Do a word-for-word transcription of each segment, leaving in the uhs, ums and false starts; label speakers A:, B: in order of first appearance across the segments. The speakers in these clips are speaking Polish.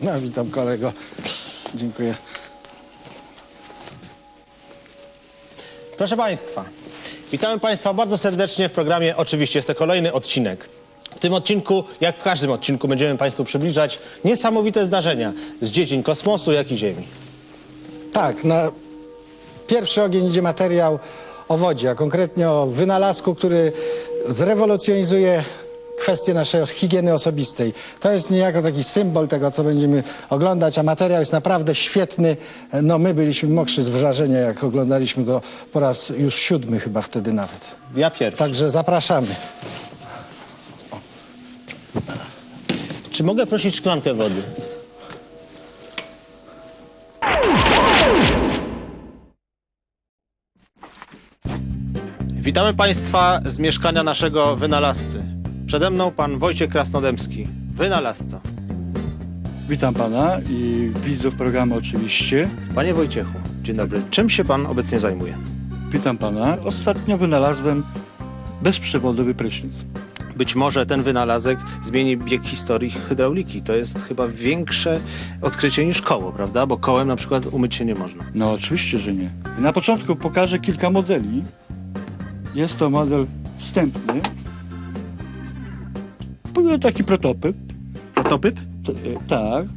A: No, witam kolego. Dziękuję.
B: Proszę Państwa, witamy Państwa bardzo serdecznie w programie. Oczywiście jest to kolejny odcinek. W tym odcinku, jak w każdym odcinku, będziemy Państwu przybliżać niesamowite zdarzenia z dziedzin kosmosu, jak i Ziemi.
A: Tak, na pierwszy ogień idzie materiał o wodzie, a konkretnie o wynalazku, który zrewolucjonizuje kwestię naszej higieny osobistej. To jest niejako taki symbol tego, co będziemy oglądać, a materiał jest naprawdę świetny. No my byliśmy mokrzy z wrażenia, jak oglądaliśmy go po raz już siódmy chyba wtedy nawet.
B: Ja pierwszy.
A: Także zapraszamy.
B: Czy mogę prosić szklankę wody? Witamy Państwa z mieszkania naszego wynalazcy. Przede mną pan Wojciech Krasnodębski, wynalazca.
C: Witam pana i widzów programu oczywiście.
B: Panie Wojciechu, dzień dobry. Czym się pan obecnie zajmuje?
C: Witam pana. Ostatnio wynalazłem bezprzewodowy prysznic.
B: Być może ten wynalazek zmieni bieg historii hydrauliki. To jest chyba większe odkrycie niż koło, prawda? Bo kołem na przykład umyć się nie można.
C: No oczywiście, że nie. Na początku pokażę kilka modeli. Jest to model wstępny. Taki prototyp.
B: Prototyp?
C: T- e, tak.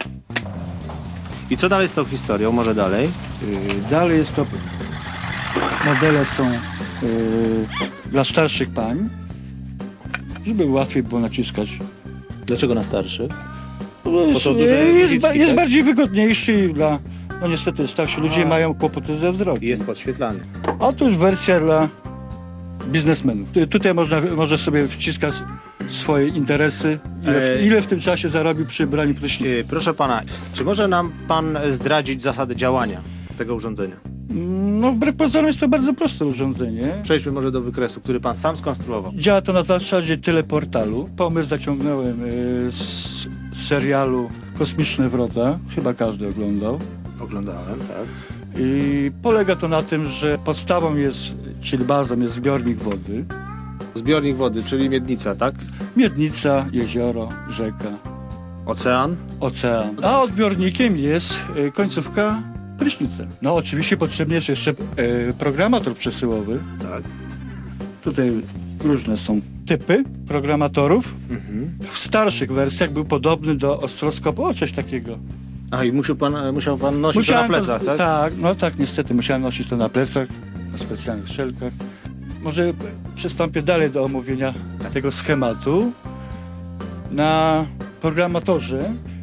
B: I co dalej z tą historią? Może dalej?
C: E, Dalej jest to... Modele są e, dla starszych pań, żeby łatwiej było naciskać.
B: Dlaczego na starszych?
C: No jest,
B: są duże
C: jest,
B: guziczki,
C: ba- jest
B: tak?
C: bardziej wygodniejszy i dla... No niestety starsi ludzie
B: A.
C: mają kłopoty ze wzrokiem.
B: I jest podświetlany.
C: Otóż wersja dla biznesmenów. Tu- Tutaj można, może sobie wciskać swoje interesy, ile w,
B: Ej.
C: ile w tym czasie zarobił przy braniu prysznica.
B: Yy, proszę pana, czy może nam pan zdradzić zasady działania tego urządzenia?
C: No wbrew pozorom jest to bardzo proste urządzenie.
B: Przejdźmy może do wykresu, który pan sam skonstruował.
C: Działa to na zasadzie teleportalu. Pomysł zaciągnąłem y, z serialu Kosmiczne Wrota. Chyba każdy oglądał.
B: Oglądałem, tak.
C: I polega to na tym, że podstawą jest, czyli bazą jest zbiornik wody.
B: Zbiornik wody, czyli miednica, tak?
C: Miednica, jezioro, rzeka,
B: Ocean.
C: ocean. A odbiornikiem jest y, końcówka prysznica. No oczywiście potrzebny jest jeszcze y, programator przesyłowy.
B: Tak.
C: Tutaj różne są typy programatorów.
B: Mhm.
C: W starszych wersjach był podobny do oscyloskopu, o coś takiego.
B: A i musiał pan, musiał pan nosić to na plecach,
C: to,
B: tak?
C: Tak, no tak, niestety musiałem nosić to na plecach, na specjalnych szelkach. Może przystąpię dalej do omówienia tego schematu. Na programatorze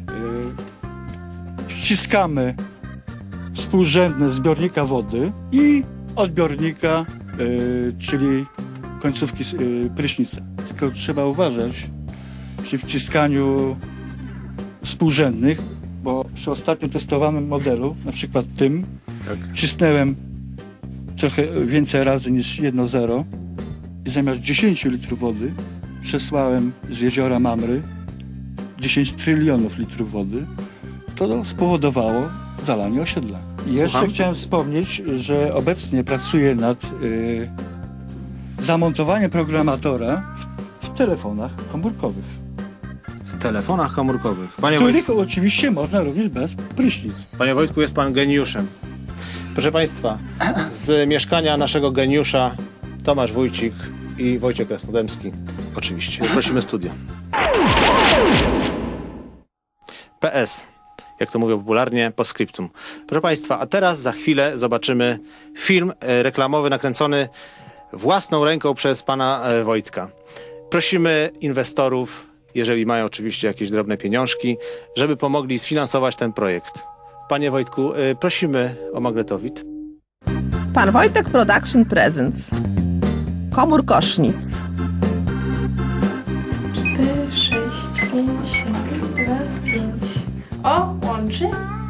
C: yy, wciskamy współrzędne zbiornika wody i odbiornika, yy, czyli końcówki yy, prysznica. Tylko trzeba uważać przy wciskaniu współrzędnych, bo przy ostatnio testowanym modelu, na przykład tym,
B: Tak.
C: wcisnąłem trochę więcej razy niż jedno zero i zamiast dziesięć litrów wody przesłałem z jeziora Mamry dziesięć trylionów litrów wody. To spowodowało zalanie osiedla. I jeszcze
B: Słucham?
C: chciałem wspomnieć, że obecnie pracuję nad y, zamontowaniem programatora w, w telefonach komórkowych,
B: W telefonach komórkowych. Panie,
C: których
B: Wojtku,
C: oczywiście można również bez prysznic.
B: Panie Wojtku, jest pan geniuszem. Proszę państwa, z mieszkania naszego geniusza Tomasz Wójcik i Wojciech Krasnodębski. Oczywiście. Prosimy studio. P S. Jak to mówią popularnie, postscriptum. Proszę państwa, a teraz za chwilę zobaczymy film e, reklamowy nakręcony własną ręką przez pana e, Wojtka. Prosimy inwestorów, jeżeli mają oczywiście jakieś drobne pieniążki, żeby pomogli sfinansować ten projekt. Panie Wojtku, e, prosimy o magnetowid.
D: Pan Wojtek Production Presents. Komór Kosznic.
E: cztery, sześć, pięć, siedem, dwa, pięć. O, łączy.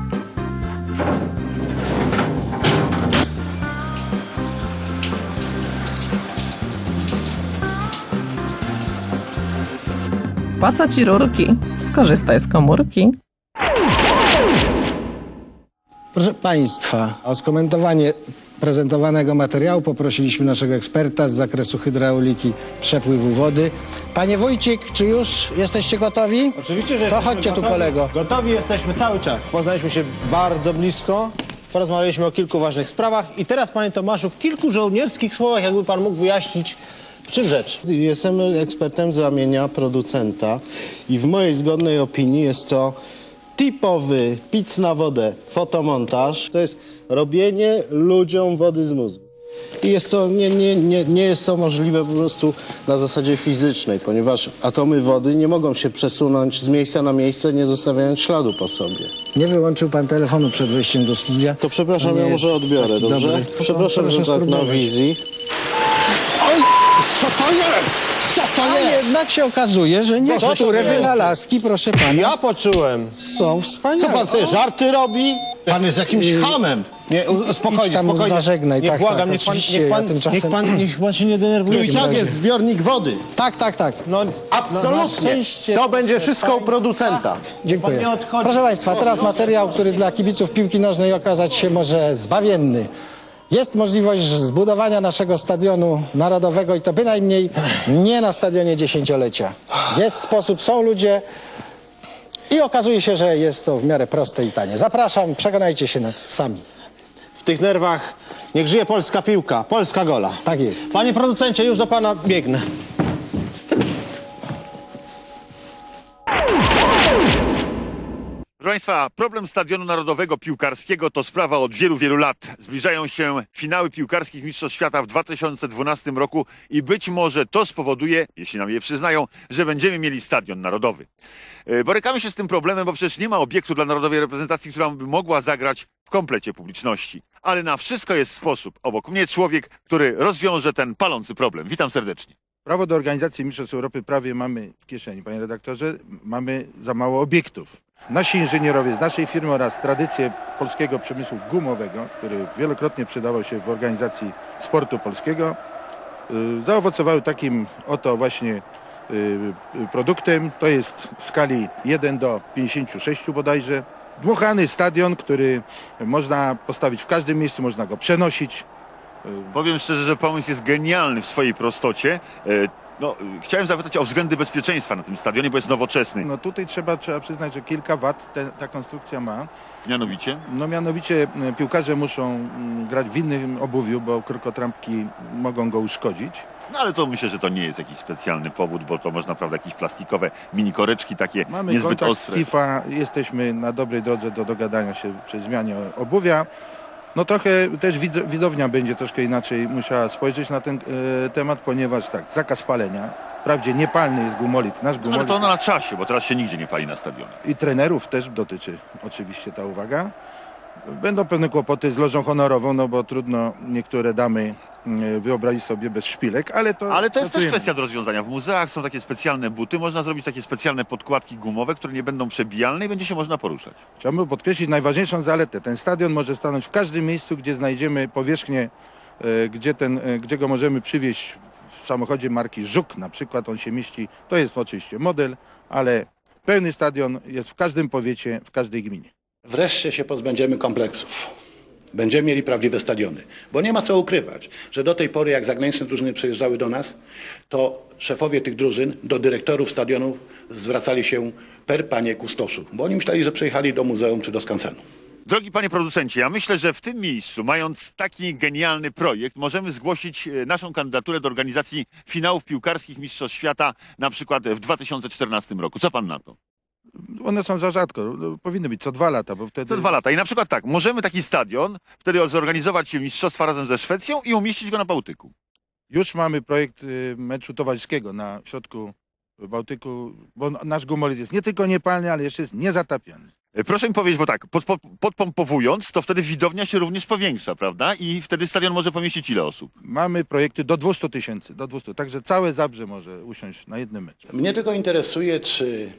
D: Po co ci rurki? Skorzystaj z komórki.
A: Proszę Państwa, o skomentowanie prezentowanego materiału poprosiliśmy naszego eksperta z zakresu hydrauliki przepływu wody. Panie Wójcik, czy już jesteście gotowi?
B: Oczywiście, że
A: To
B: jesteśmy
A: chodźcie tu,
B: gotowi.
A: kolego.
B: Gotowi jesteśmy cały czas. Poznaliśmy się bardzo blisko, porozmawialiśmy o kilku ważnych sprawach i teraz, panie Tomaszu, w kilku żołnierskich słowach, jakby pan mógł wyjaśnić, w czym rzecz.
F: Jestem ekspertem z ramienia producenta i w mojej zgodnej opinii jest to typowy pic na wodę fotomontaż. To jest robienie ludziom wody z mózgu. I jest to, nie, nie, nie, nie jest to możliwe po prostu na zasadzie fizycznej, ponieważ atomy wody nie mogą się przesunąć z miejsca na miejsce, nie zostawiając śladu po sobie.
A: Nie wyłączył pan telefonu przed wejściem do studia.
F: To przepraszam,
A: nie
F: ja może
A: jest
F: odbiorę,
A: taki
F: dobrze?
A: dobry.
F: Przepraszam,
A: Proszę
F: że tak na
A: spróbować.
F: wizji. Oj, co to jest? Co to
A: A
F: jest?
A: jednak się okazuje, że niektóre
F: sobie.
A: wynalazki, proszę pana,
B: Ja poczułem.
A: są wspaniałe.
F: Co pan sobie żarty robi? Pan jest jakimś hamem.
B: Nie, u- spokojnie,
A: Idź tam,
B: spokojnie.
A: zażegnaj,
B: Nie,
A: tak,
B: błagam,
A: tak,
B: niech, pan,
A: oczywiście,
B: niech, pan,
A: ja tymczasem-
B: niech, pan, niech pan się nie
F: Tu
B: denerwuje.
F: i tak
A: razie.
F: jest zbiornik wody.
A: Tak, tak, tak.
B: No,
F: Absolutnie. To będzie wszystko u producenta.
A: Dziękuję.
B: Pan nie odchodzi.
A: Proszę Państwa, teraz materiał, który dla kibiców piłki nożnej okazać się może zbawienny. Jest możliwość zbudowania naszego stadionu narodowego i to bynajmniej nie na stadionie dziesięciolecia. Jest sposób, są ludzie i okazuje się, że jest to w miarę proste i tanie. Zapraszam, przekonajcie się na- sami.
B: W tych nerwach niech żyje polska piłka, polska gola.
A: Tak jest.
B: Panie producencie, już do pana biegnę.
G: Proszę Państwa, problem Stadionu Narodowego Piłkarskiego to sprawa od wielu, wielu lat. Zbliżają się finały piłkarskich Mistrzostw Świata w dwa tysiące dwunastym roku i być może to spowoduje, jeśli nam je przyznają, że będziemy mieli Stadion Narodowy. E, Borykamy się z tym problemem, bo przecież nie ma obiektu dla narodowej reprezentacji, która by mogła zagrać w komplecie publiczności. Ale na wszystko jest sposób. Obok mnie człowiek, który rozwiąże ten palący problem. Witam serdecznie.
H: Prawo do organizacji Mistrzostw Europy prawie mamy w kieszeni, panie redaktorze. Mamy za mało obiektów. Nasi inżynierowie z naszej firmy oraz tradycje polskiego przemysłu gumowego, który wielokrotnie przydawał się w organizacji sportu polskiego, y, zaowocowały takim oto właśnie y, y, produktem. To jest w skali jeden do pięćdziesięciu sześciu bodajże. Dmuchany stadion, który można postawić w każdym miejscu, można go przenosić.
G: Powiem szczerze, że pomysł jest genialny w swojej prostocie. E, No, e, chciałem zapytać o względy bezpieczeństwa na tym stadionie, bo jest nowoczesny.
H: No tutaj trzeba, trzeba przyznać, że kilka wat te, ta konstrukcja ma.
G: Mianowicie?
H: No mianowicie e, piłkarze muszą mm, grać w innym obuwiu, bo krokotrampki mogą go uszkodzić.
G: No ale to myślę, że to nie jest jakiś specjalny powód, bo to można, prawda, jakieś plastikowe mini koreczki takie
H: Mamy
G: niezbyt
H: kontakt
G: ostre.
H: z FIFA, jesteśmy na dobrej drodze do dogadania się przy zmianie obuwia. No trochę też wid- widownia będzie troszkę inaczej musiała spojrzeć na ten e, temat, ponieważ tak, zakaz palenia. Wprawdzie niepalny jest gumolit, nasz
G: Ale
H: gumolit
G: to na czasie, bo teraz się nigdzie nie pali na stadionie.
H: i trenerów też dotyczy oczywiście ta uwaga. Będą pewne kłopoty z lożą honorową, no bo trudno niektóre damy e, wyobrazić sobie bez szpilek, ale to...
G: Ale to jest też
H: pracujemy.
G: kwestia do rozwiązania. W muzeach są takie specjalne buty, można zrobić takie specjalne podkładki gumowe, które nie będą przebijalne i będzie się można poruszać.
H: Chciałbym podkreślić najważniejszą zaletę. Ten stadion może stanąć w każdym miejscu, gdzie znajdziemy powierzchnię, e, gdzie, ten, e, gdzie go możemy przywieźć w samochodzie marki Żuk na przykład. On się mieści, to jest oczywiście model, ale pełny stadion jest w każdym powiecie, w każdej gminie.
I: Wreszcie się pozbędziemy kompleksów. Będziemy mieli prawdziwe stadiony. Bo nie ma co ukrywać, że do tej pory jak zagraniczne drużyny przyjeżdżały do nas, to szefowie tych drużyn do dyrektorów stadionów zwracali się per panie kustoszu. Bo oni myśleli, że przyjechali do muzeum czy do skansenu.
G: Drogi panie producencie, ja myślę, że w tym miejscu, mając taki genialny projekt, możemy zgłosić e, naszą kandydaturę do organizacji finałów piłkarskich Mistrzostw Świata na przykład w dwa tysiące czternastym roku. Co pan na to?
H: One są za rzadko, no, powinny być co dwa lata, bo wtedy...
G: Co dwa lata. I na przykład tak, możemy taki stadion wtedy zorganizować mistrzostwa razem ze Szwecją i umieścić go na Bałtyku.
H: Już mamy projekt y, meczu towarzyskiego na środku Bałtyku, bo nasz gumolit jest nie tylko niepalny, ale jeszcze jest niezatapiany.
G: E, Proszę mi powiedzieć, bo tak, pod, pod, podpompowując, to wtedy widownia się również powiększa, prawda? I wtedy stadion może pomieścić ile osób?
H: Mamy projekty do dwustu tysięcy, do dwustu, także całe Zabrze może usiąść na jednym meczu.
I: Mnie tylko interesuje, czy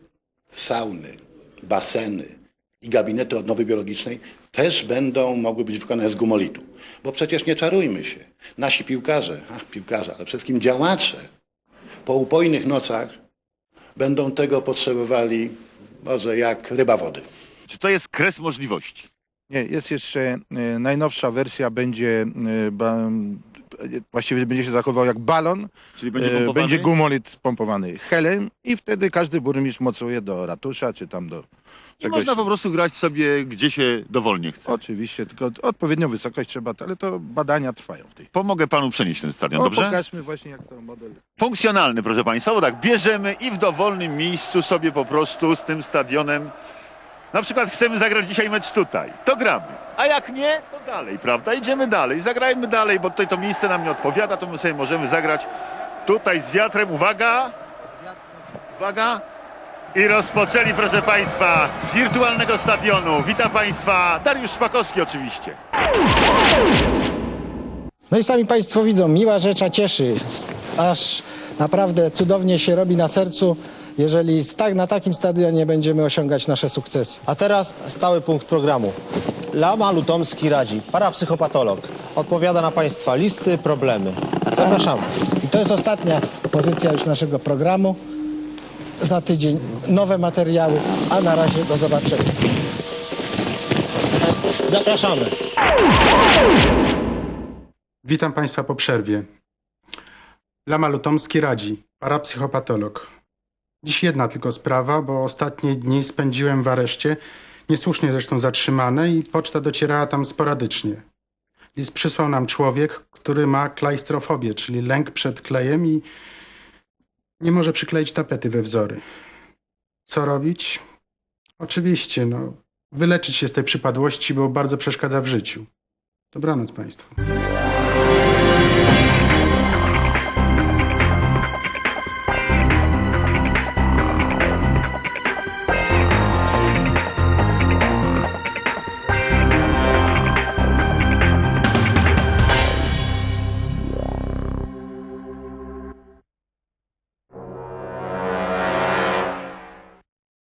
I: sauny, baseny i gabinety odnowy biologicznej też będą mogły być wykonane z gumolitu. Bo przecież nie czarujmy się. Nasi piłkarze, ach, piłkarze, ale przede wszystkim działacze po upojnych nocach będą tego potrzebowali może jak ryba wody.
G: Czy to jest kres możliwości?
H: Nie, jest jeszcze e, najnowsza wersja, będzie e, ba, e, właściwie będzie się zachował jak balon.
G: Czyli będzie
H: E,
G: pompowany?
H: będzie gumolit pompowany helem i wtedy każdy burmistrz mocuje do ratusza, czy tam do
G: I
H: czegoś.
G: można po prostu grać sobie, gdzie się dowolnie chce.
H: Oczywiście, tylko odpowiednią wysokość trzeba, ale to badania trwają w tej.
G: Pomogę panu przenieść ten stadion,
H: O,
G: dobrze?
H: pokażmy właśnie jak to model.
G: Funkcjonalny, proszę państwa, bo tak, bierzemy i w dowolnym miejscu sobie po prostu z tym stadionem, na przykład chcemy zagrać dzisiaj mecz tutaj, to gramy, a jak nie, to dalej, prawda, idziemy dalej, zagrajmy dalej, bo tutaj to miejsce nam nie odpowiada, to my sobie możemy zagrać tutaj z wiatrem, uwaga, uwaga, i rozpoczęli, proszę państwa, z wirtualnego stadionu. Witam państwa, Dariusz Szpakowski oczywiście.
A: No i sami Państwo widzą, miła rzecz, a cieszy. Aż naprawdę cudownie się robi na sercu, jeżeli z tak, na takim stadionie będziemy osiągać nasze sukcesy.
J: A teraz stały punkt programu. Lama Lutomski radzi, parapsychopatolog. Odpowiada na Państwa listy, problemy. Zapraszamy.
A: I to jest ostatnia pozycja już naszego programu. Za tydzień nowe materiały, a na razie do zobaczenia.
J: Zapraszamy.
K: Witam Państwa po przerwie. Lama Lutomski radzi, parapsychopatolog. Dziś jedna tylko sprawa, bo ostatnie dni spędziłem w areszcie, niesłusznie zresztą zatrzymany i poczta docierała tam sporadycznie. List przysłał nam człowiek, który ma klajstrofobię, czyli lęk przed klejem i nie może przykleić tapety we wzory. Co robić? Oczywiście, no, wyleczyć się z tej przypadłości, bo bardzo przeszkadza w życiu. Dobranoc Państwu.